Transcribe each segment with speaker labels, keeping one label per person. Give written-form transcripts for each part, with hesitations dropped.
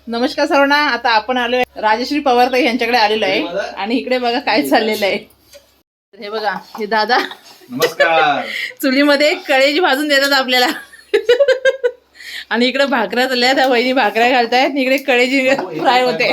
Speaker 1: नमस्कार सर्वांना. आता आपण आलोय राजश्री पवार ताई यांच्याकडे आलेलो आहे आणि इकडे बघा काय चाललेलं आहे. हे बघा हे दादा
Speaker 2: नमस्कार.
Speaker 1: चुलीमध्ये कळेजी भाजून देतात आपल्याला आणि इकडे भाकऱ्या चालल्या, त्या वहिनी भाकऱ्या घालतायत, इकडे कळेजी फ्राय होते.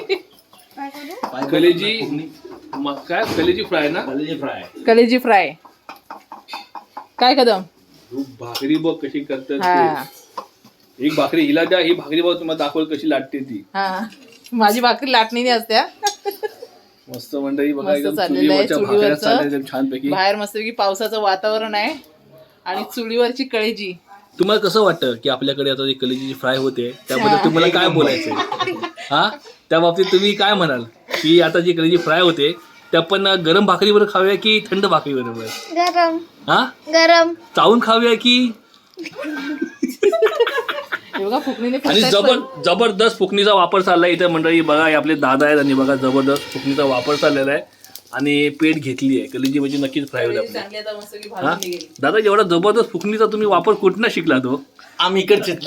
Speaker 3: कलेजी काय कलेजी फ्राय ना?
Speaker 1: कलेजी फ्राय काय कदम
Speaker 3: भाकरी बघ कशी करतात.
Speaker 1: हा
Speaker 3: एक भाकरी हिला द्या, ही भाकरी बघ तुम्हाला दाखवल कशी लाटते ती.
Speaker 1: हा माझी भाकरी लाटणी असत्या.
Speaker 3: मस्त मंडळी बघा,
Speaker 1: मस्त
Speaker 3: एकदम
Speaker 1: चाललेलं आहे
Speaker 3: चुलीवरच्या भाकऱ्या
Speaker 1: चुलीवरचं.
Speaker 3: चालल्या एकदम छानपैकी.
Speaker 1: बाहेर मस्तपैकी पावसाचं वातावरण आहे आणि चुलीवरची कळेजी.
Speaker 3: तुम्हाला कसं वाटतं की आपल्याकडे आता जी कलेजी फ्राय होते त्याबद्दल तुम्हाला काय बोलायचंय? हा त्या बाबतीत तुम्ही काय म्हणाल की आता जी कलेजी फ्राय होते त्या पण गरम भाकरीवर खाव्या की थंड भाकरी बरोबर?
Speaker 4: गरम
Speaker 3: हा
Speaker 4: गरम
Speaker 3: चावून खाव्या की?
Speaker 1: हे बघा फुकणीने
Speaker 3: आणि
Speaker 1: फुकतात
Speaker 3: जबरदस्त फुकणीचा वापर चाललाय इथे मंडळी. बघा हे आपले दादा आहेत आणि बघा जबरदस्त फुकणीचा वापर चाललेला आहे आणि पेट घेतली आहे. कलेजी म्हणजे नक्कीच फ्राय होईल आपली.
Speaker 1: चांगली आता मस्तपैकी
Speaker 3: हा
Speaker 1: भाजून निघेल.
Speaker 3: दादा एवढा जबरदस्त फुकणीचा तुम्ही वापर कुठनं शिकला तो?
Speaker 2: आम्ही इकडचेच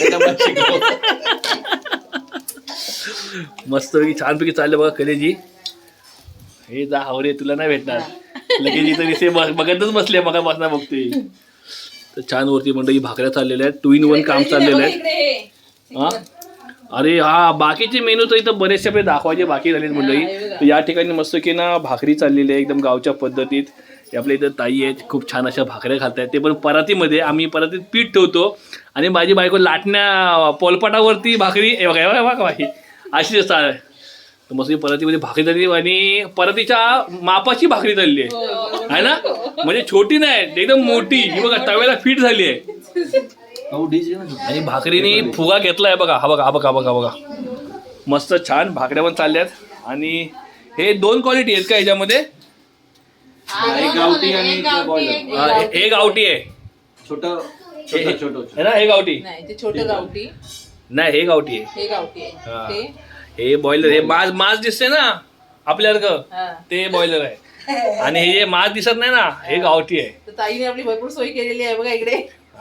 Speaker 3: मस्तपैकी छानपैकी चालले बघा कलेजी. हे जा हावरे तुला नाही भेटणार लगेच इथं दिसे बघतच बसले मग बसना बघतोय. तर छान वरती मंडळी भाकऱ्या चाललेल्या आहेत. 2 in 1 काम चाललेलं आहे. हा अरे हा बाकीचे मेनू तर इथं बरेचसे आपले दाखवायचे बाकी झालेत मंडळी. तर या ठिकाणी मस्त की ना भाकरी चाललेली आहे एकदम गावच्या पद्धतीत. हे आपल्या इथं ताई आहेत, खूप छान अशा भाकऱ्या खातात. ते पण परातीमध्ये, आम्ही परातीत पीठ ठेवतो आणि माझी बायको लाटण्या पोलपाटावरती भाकरी हे बघा बघा अशी असतात. तर मस्त परातीमध्ये भाकरी झाली आणि परातीच्या मापाची भाकरी झालेली आहे ना, म्हणजे छोटी नाही एकदम मोठी. ही बघा तव्याला फिट झाली आहे आणि भाकरीने फुगा घेतलाय बघा. हा बघा हा बघा बघा बघा मस्त छान भाकऱ्या पण चालल्यात. आणि हे 2 क्वालिटी आहेत का ह्याच्यामध्ये?
Speaker 2: एक गावठी आणि एक बॉयलर.
Speaker 3: हे गावठी आहे
Speaker 2: छोटं
Speaker 3: है ना, हे गावठी
Speaker 1: नाही ते छोटं गावठी,
Speaker 3: नाही, हे गावठी आहे.
Speaker 1: हे गावठी
Speaker 3: हा.
Speaker 1: आहे ते.
Speaker 3: हे बॉयलर, हे मास दिसते ना आपल्यासारखं
Speaker 1: हा.
Speaker 3: ते बॉयलर आहे आणि हे जे मास दिसत नाही ना हे गावठी आहे.
Speaker 1: तर ताईने आपली भरपूर सोय केलेली आहे बघा इकडे.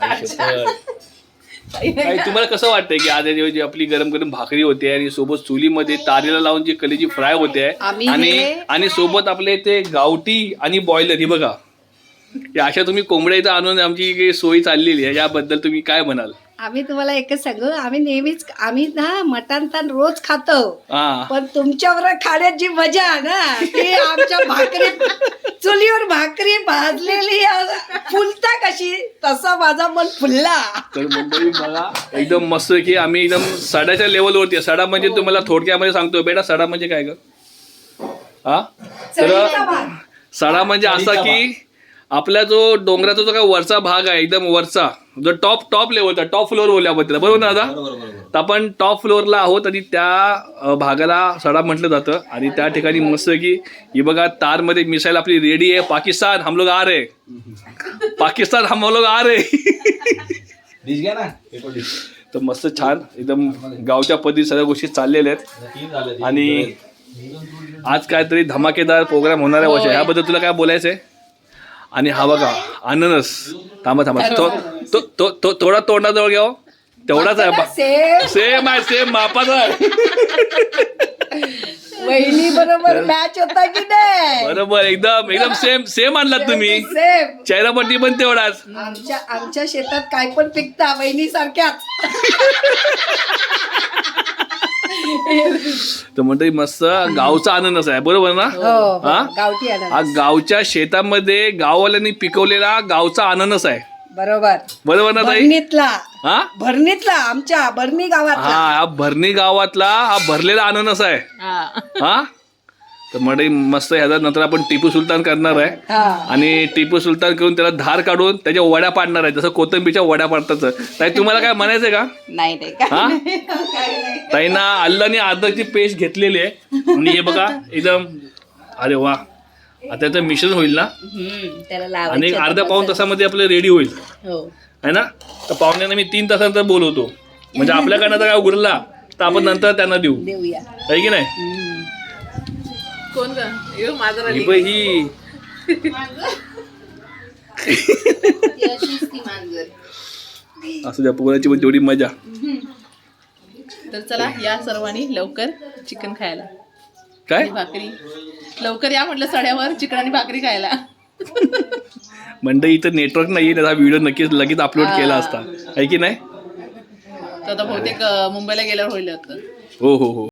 Speaker 3: ताई, तुम्हाला कसं वाटतंय की आज जी आपली गरम गरम भाकरी होते आणि सोबत चुलीमध्ये तारेला लावून जी कलेजी फ्राय होते आणि सोबत आपले ते गावठी आणि बॉयलर ही बघा, अशा तुम्ही कोंबड्या इथं आणून आमची सोय चाललेली आहे, याबद्दल तुम्ही काय म्हणाल?
Speaker 4: आम्ही तुम्हाला एकच सांगू, आम्ही नेहमीच आम्ही ना मटण तर रोज खातो,
Speaker 3: हा
Speaker 4: पण तुमच्यावर खाण्यात जी मजा आहे ना ती आमच्या भाकरी चुलीवर भाकरी भाजलेली फुलता कशी तसा माझा मन फुलला.
Speaker 3: तर मंडळी बघा एकदम मस्त की आम्ही एकदम सडाच्या लेवलवरती. सडा म्हणजे तुम्हाला थोडक्यामध्ये सांगतो बेटा, सडा म्हणजे काय ग? हा तर सडा म्हणजे असा की आपला जो डोंगराचा जो काय वरचा भाग आहे एकदम वरचा जो टॉप लेवलचा, टॉप फ्लोअर बोलल्याबद्दल बरोबर ना दादा? तर आपण टॉप फ्लोअरला आहोत आणि त्या भागाला सडा म्हटलं जातं. आणि त्या ठिकाणी मस्त की ही बघा तारमध्ये मिसाईल आपली रेडी आहे. पाकिस्तान हम लोग आ रहे, पाकिस्तान हम लोग आ रहे.
Speaker 2: डिश घ्या ना.
Speaker 3: तर मस्त छान एकदम गावच्या पद्धती सगळ्या गोष्टी चाललेल्या आहेत. आणि आज काहीतरी धमाकेदार प्रोग्राम होणार आहे वर्षा, ह्याबद्दल तुला काय बोलायचं आहे? आणि हा बघा अननस, थांबा थोडा तोंडाजवळ घ्या. तेवढाच आहे, सेम आहे, सेम मापाचा आहे.
Speaker 4: वहिनी बरोबर मॅच होता की नाही?
Speaker 3: बरोबर एकदम सेम आणलात तुम्ही.
Speaker 4: सेम.
Speaker 3: चेहरापट्टी पण तेवढाच.
Speaker 4: आमच्या शेतात काय पण पिकता वहिनी सारख्याच.
Speaker 3: तर म्हणतो मस्त गावचा अननस आहे बरोबर ना? हा
Speaker 4: गावठी
Speaker 3: हा गावच्या शेतामध्ये गाववाल्यांनी पिकवलेला गावचा अननस आहे. बरोबर ना ताई?
Speaker 4: भरणीतला,
Speaker 3: हा
Speaker 4: भरणीतला, आमच्या भरणी गावात.
Speaker 3: हा भरणी गावातला हा भरलेला अननस आहे. हा तर म्हणजे मस्त ह्याचा नंतर आपण टिपू सुलतान करणार आहे आणि टिपू सुलतान करून त्याला धार काढून त्याच्या वड्या पाडणार आहे, जसं कोथिंबीरच्या वड्या पाडतात. ताई तुम्हाला काय म्हणायचंय का?
Speaker 4: नाही
Speaker 3: हा ताईंना आलं आणि अद्रकची पेस्ट घेतलेली आहे आणि हे बघा एकदम अरे वा, आता त्याचं मिश्रण होईल ना आणि अर्ध्या पाऊण तासामध्ये आपलं रेडी होईल है ना. तर पाहुण्यांना मी 3 तासानंतर बोलवतो, म्हणजे आपल्याकडनं जर काय उरला तर आपण नंतर त्यांना देऊया, आहे की नाही?
Speaker 1: कोण का माझं
Speaker 3: ही असू द्या, पोराची पण तेवढी मजा.
Speaker 1: तर चला या सर्वांनी लवकर चिकन खायला
Speaker 3: काय
Speaker 1: आणि भाकरी. लवकर या म्हटलं सड्यावर चिकन आणि भाकरी खायला.
Speaker 3: मंडळी इथं नेटवर्क नाहीये ना, हा व्हिडिओ नक्कीच लगेच अपलोड केला असता आहे की नाही.
Speaker 1: तर आता बहुतेक मुंबईला गेल्यावर होईल आता.
Speaker 3: हो हो हो